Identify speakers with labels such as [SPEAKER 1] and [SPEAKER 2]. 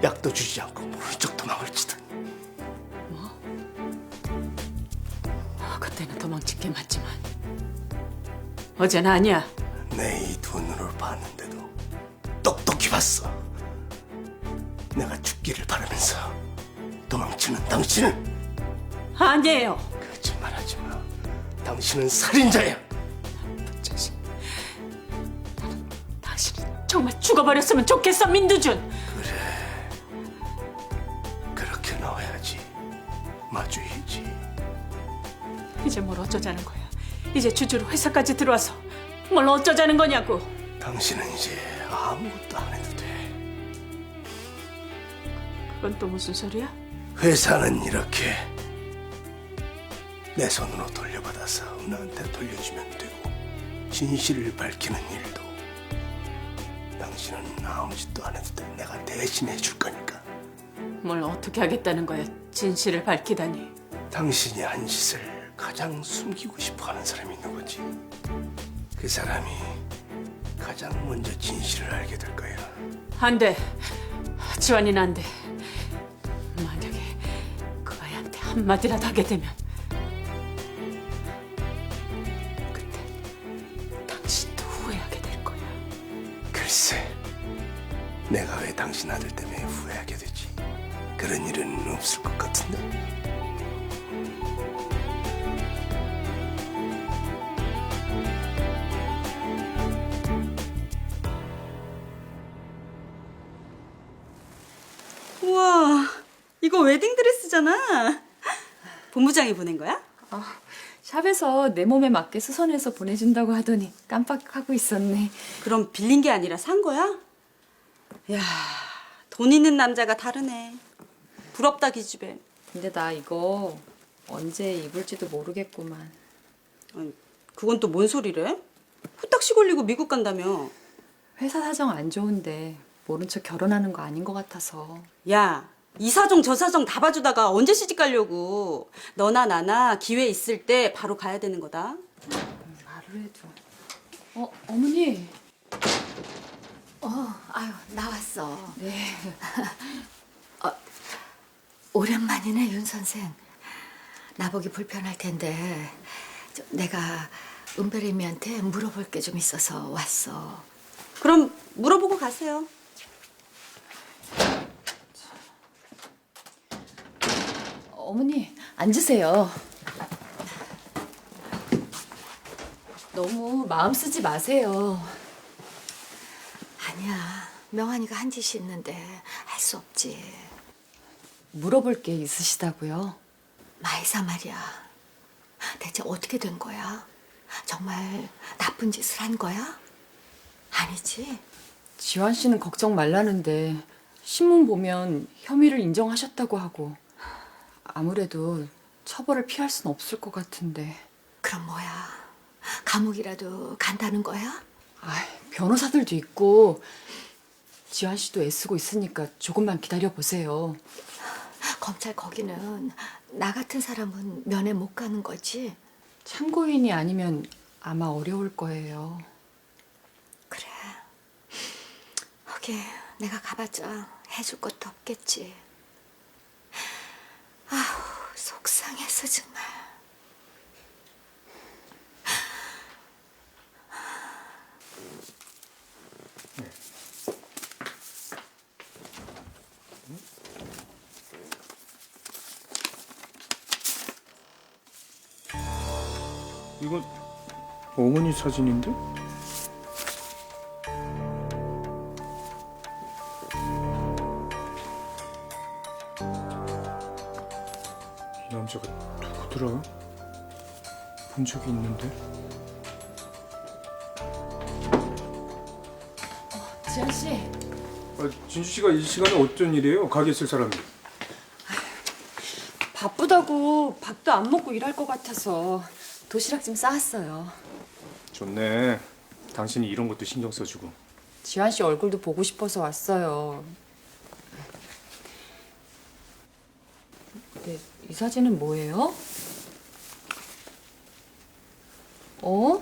[SPEAKER 1] 약도 주지 않고 모른 척 도망을 치더니.
[SPEAKER 2] 그때는 도망친 게 맞지만 어제는 아니야.
[SPEAKER 1] 내 이 두 눈을 봤는데도 똑똑히 봤어. 내가 죽기를 바라면서 도망치는 당신은
[SPEAKER 2] 아니에요.
[SPEAKER 1] 거짓말하지 마. 당신은 살인자야.
[SPEAKER 2] 자식. 당신이 정말 죽어버렸으면 좋겠어, 민두준.
[SPEAKER 1] 그렇게 나와야지. 마주해야지.
[SPEAKER 2] 이제 뭘 어쩌자는 거야. 이제 주주로 회사까지 들어와서 뭘 어쩌자는 거냐고.
[SPEAKER 1] 당신은 이제 아무것도 안 해도 돼.
[SPEAKER 2] 그건 또 무슨 소리야?
[SPEAKER 1] 회사는 이렇게 내 손으로 돌려받아서 은하한테 돌려주면 되고, 진실을 밝히는 일도 당신은 아무 짓도 안 해도 돼. 내가 대신해 줄 거니까.
[SPEAKER 2] 뭘 어떻게 하겠다는 거야. 진실을 밝히다니.
[SPEAKER 1] 당신이 한 짓을 가장 숨기고 싶어하는 사람이 누구지? 그 사람이 가장 먼저 진실을 알게 될 거야.
[SPEAKER 2] 안 돼. 지환이는 안 돼. 만약에 그 아이한테 한마디라도 하게 되면 그때 당신도 후회하게 될 거야.
[SPEAKER 1] 글쎄, 내가 왜 당신 아들 때문에 후회하게 되지? 그런 일은 없을 것 같은데.
[SPEAKER 3] 우와, 이거 웨딩드레스잖아. 본부장이 보낸 거야?
[SPEAKER 4] 샵에서 내 몸에 맞게 수선해서 보내준다고 하더니 깜빡하고 있었네.
[SPEAKER 3] 그럼 빌린 게 아니라 산 거야? 야, 돈 있는 남자가 다르네. 부럽다, 기집애.
[SPEAKER 4] 근데 나 이거 언제 입을지도 모르겠구만.
[SPEAKER 3] 아니, 그건 또 뭔 소리래? 후딱 시골리고 미국 간다며.
[SPEAKER 4] 회사 사정 안 좋은데 모른 척 결혼하는 거 아닌 것 같아서.
[SPEAKER 3] 야, 이 사정 저 사정 다 봐주다가 언제 시집 가려고. 너나 나나 기회 있을 때 바로 가야 되는 거다.
[SPEAKER 4] 말을 해도. 어머니.
[SPEAKER 5] 아유, 나왔어.
[SPEAKER 4] 네.
[SPEAKER 5] 오랜만이네, 윤 선생. 나보기 불편할 텐데 내가 은별이미한테 물어볼 게 좀 있어서 왔어.
[SPEAKER 3] 그럼 물어보고 가세요.
[SPEAKER 4] 어머니 앉으세요. 너무 마음 쓰지 마세요.
[SPEAKER 5] 아니야, 명환이가 한 짓이 있는데 할 수 없지.
[SPEAKER 4] 물어볼 게 있으시다고요?
[SPEAKER 5] 마이사 말이야. 대체 어떻게 된 거야? 정말 나쁜 짓을 한 거야? 아니지?
[SPEAKER 4] 지환 씨는 걱정 말라는데 신문 보면 혐의를 인정하셨다고 하고 아무래도 처벌을 피할 순 없을 것 같은데.
[SPEAKER 5] 그럼 뭐야? 감옥이라도 간다는 거야?
[SPEAKER 4] 변호사들도 있고 지환 씨도 애쓰고 있으니까 조금만 기다려 보세요.
[SPEAKER 5] 검찰 거기는 나 같은 사람은 면회 못 가는 거지?
[SPEAKER 4] 참고인이 아니면 아마 어려울 거예요.
[SPEAKER 5] 그래. 하긴 내가 가봤자 해줄 것도 없겠지. 아우, 속상해서 정말.
[SPEAKER 6] 이건 어머니 사진인데? 이 남자가 누구더라? 본 적이 있는데?
[SPEAKER 4] 지환 씨.
[SPEAKER 6] 진주 씨가 이 시간에 어쩐 일이에요? 가게 있을 사람이.
[SPEAKER 4] 바쁘다고 밥도 안 먹고 일할 것 같아서 도시락 좀 싸왔어요.
[SPEAKER 6] 좋네. 당신이 이런 것도 신경 써주고.
[SPEAKER 4] 지환 씨 얼굴도 보고 싶어서 왔어요. 근데 이 사진은 뭐예요? 어?